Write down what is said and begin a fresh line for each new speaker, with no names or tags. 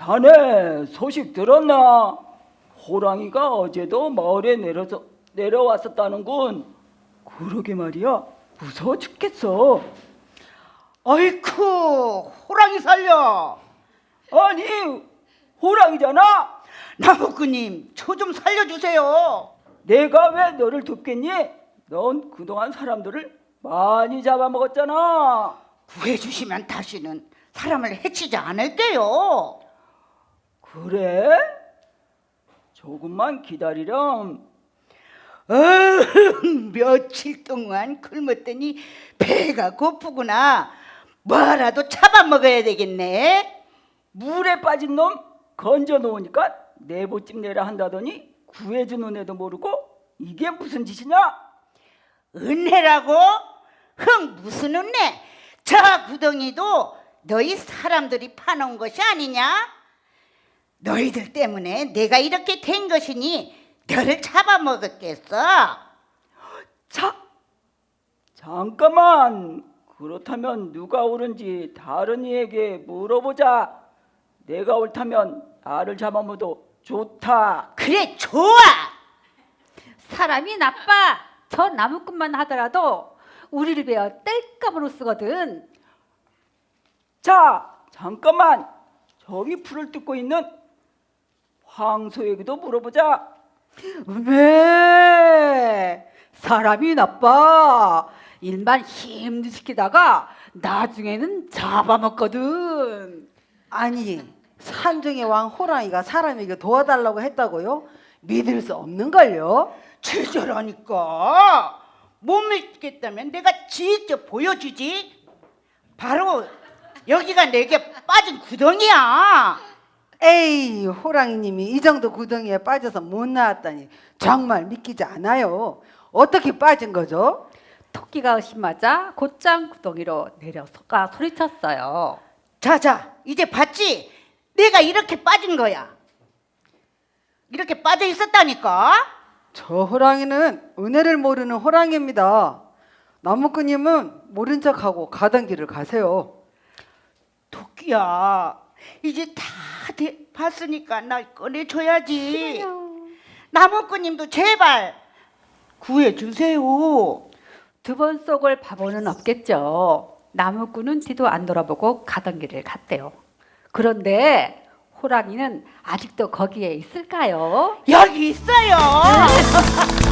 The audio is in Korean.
자네 소식 들었나? 호랑이가 어제도 마을에 내려왔었다는군. 그러게 말이야. 무서워 죽겠어.
어이쿠, 호랑이 살려.
아니, 호랑이잖아.
나무꾼님, 저 좀 살려주세요.
내가 왜 너를 돕겠니? 넌 그동안 사람들을 많이 잡아먹었잖아.
구해주시면 다시는 사람을 해치지 않을게요.
그래? 조금만 기다리렴.
며칠 동안 굶었더니 배가 고프구나. 뭐라도 잡아먹어야 되겠네.
물에 빠진 놈 건져 놓으니까 내보집 내라 한다더니 구해준 은혜도 모르고 이게 무슨 짓이냐?
은혜라고? 무슨 은혜? 저 구덩이도 너희 사람들이 파놓은 것이 아니냐? 너희들 때문에 내가 이렇게 된 것이니 너를 잡아먹었겠어.
잠깐만. 그렇다면 누가 옳은지 다른 이에게 물어보자. 내가 옳다면 나를 잡아먹어도 좋다.
그래, 좋아.
사람이 나빠. 저 나무꾼만 하더라도 우리를 베어 뗄감으로 쓰거든.
자, 잠깐만. 저기 풀을 뜯고 있는 황소에게도 물어보자.
왜? 사람이 나빠. 일만 힘들 시키다가 나중에는 잡아먹거든.
아니, 산중의 왕 호랑이가 사람에게 도와달라고 했다고요? 믿을 수 없는걸요?
제자라니까. 못 믿겠다면 내가 직접 보여주지. 바로 여기가 내게 빠진 구덩이야.
에이, 호랑이님이 이 정도 구덩이에 빠져서 못 나왔다니 정말 믿기지 않아요. 어떻게 빠진 거죠?
토끼가 의심하자 곧장 구덩이로 내려서가 소리쳤어요.
자자, 이제 봤지? 내가 이렇게 빠진 거야. 이렇게 빠져 있었다니까.
저 호랑이는 은혜를 모르는 호랑이입니다. 나무꾼님은 모른 척하고 가던 길을 가세요.
토끼야, 이제 다 봤으니까 날 꺼내줘야지. 나무꾼님도 제발 구해주세요.
두 번 속을 바보는 없겠죠. 나무꾼은 뒤도 안 돌아보고 가던 길을 갔대요. 그런데 호랑이는 아직도 거기에 있을까요?
여기 있어요.